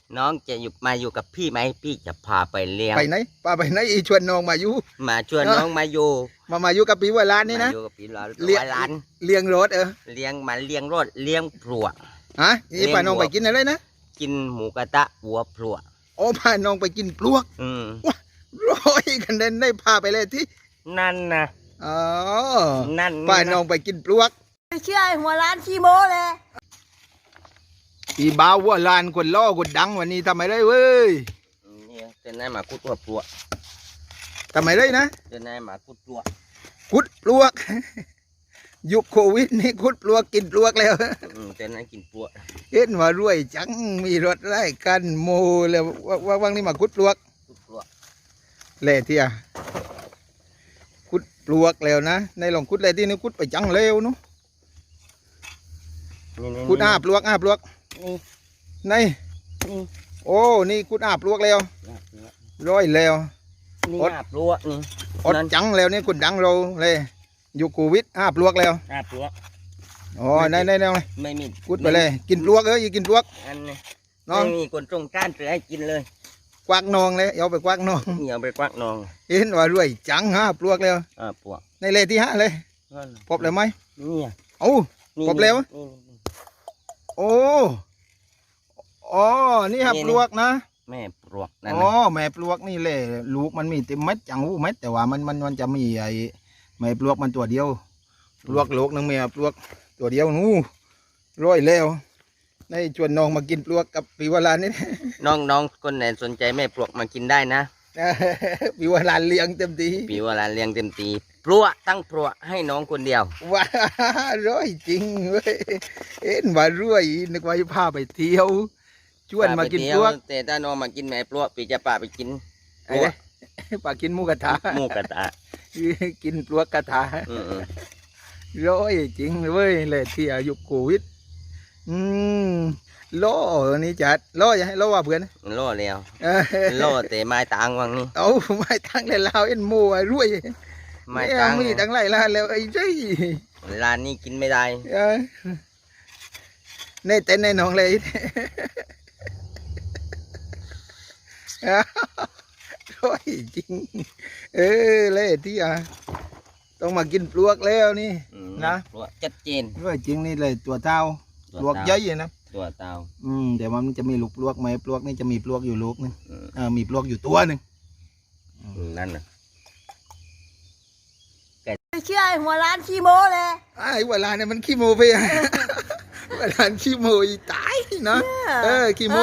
น้องจะอยู่กับพี่ไหมพี่จะพาไปเลี้ยงไปไหนป้าไปไหนอีชวนน้องมาอยู่มาชวนน้องมาอยู่มาอยู่กับปีว่าร้านนี่นะมาอยู่กับพี่ร้านเลี้ยงรถเลี้ยงมาเลี้ยงรถเลี้ยงพลวฮะนี่ป้าน้องไปกินอะไรนะกินหมูกระทะหัวพลวโอ้พาน้องไปกินปลวกว้าร้อยกันเด่นได้พาไปเลยที่นั่นนะอ๋อนั่นพาน้องไปกินปลวกไม่เชื่อหัวร้านขี้โม้เลยอีบ่าวว่าลานคนล่อคนดังวันนี้ทำไมได้เว้ยนี่เป็นนายหมาคุดหัวพลวทำไมได้นะเป็นนายหมาคุดพลวคุดปลวกยุคโควิดนี่คุดปลวกกินปลวกแล้วเป็นนายกินพลวเห็นว่ารวยจังมีรถไล่กันโมแล้วว่างนี่มาคุดปลวกเล่เทียคุดปลวกแล้วนะในหลงคุดเลยที่นี่คุดไปจังเร็วนู้คุดปลวกในโอ้นี่คุดปลวกแล้วร้อยแล้วนี่ปลวกนี่อดจังแล้วนี่คุดดังเราเลยอยู่โควิดปลวกแล้วปลวกอ๋อในไม่มีคุดไปเลยกินปลวกอย่ากินปลวกอันนี้น้องมีคนตรงก้านเสือให้กินเลยกวักนองเลยเอาไปกวักนองเอาไปกวักนองเห็นว่ารวยจังปลวกแล้วปลวกในเลที่เลยพบเลยไหมนี่โอ้พบแล้วโอ้อ๋อนี่ปลวกนะแม่ปลวกนั่นอ๋อแม่ปลวกนี่แหละลูกมันมีเต็มเม็ดจังหูเม็ดแต่ว่ามันจะมีไอ้แม่ปลวกมันตัวเดียวปลวกโลกนึงแม่ปลวกตัวเดียวนู้ร้อยแล้วในชวนน้องมากินปลวกกับปีวลานี่น้องคนไหนสนใจแม่ปลวกมากินได้นะปีวลาเลี้ยงเต็มทีปีวลาเลี้ยงเต็มทีปลวกตั้งปลวกให้น้องคนเดียวว้าร้อยจริงเว้ยเอ็นว่ารวยนึกว่าจะพาไปเที่ยวชวนมากินปลวกแต่ถ้าน้องมากินแม่ปลวกปีจะพาไปกินปากินหมูกระทะกินปลวกกระทะร้อยจริงเว้ยเลยที่อายุโควิดล้อนี่จัดล้ออย่าให้ล้อว่าเพื่อนล้อแล้วล้อแต่ไม้ต่างวังนี่เอาไม้ต่างเลยลาวเอ็นโม่รวยไม้ต่างมีต่างไรล้านแล้วไอ้เจ้ร้านนี้กินไม่ได้ในเต้นในน้องเลยร้อยจริงเลยที่ต้องมากินปลวกแล้วนี่นะปลวกชัดเจนร้อยจริงนี่เลยตัวเต้าปลวกเยอะๆนะตัวเต่าแต่ว่ามันจะมีลูกปลวกไหมปลวกนี่จะมีปลวกอยู่ลูกนึงมีปลวกอยู่ตัวหนึ่งนั่นนะไม่เชื่อหัวร้านขี้โม้เลยไอ้เวลาเนี่ยมันขี้โมไปเวลาขี้โมตายนะขี้โม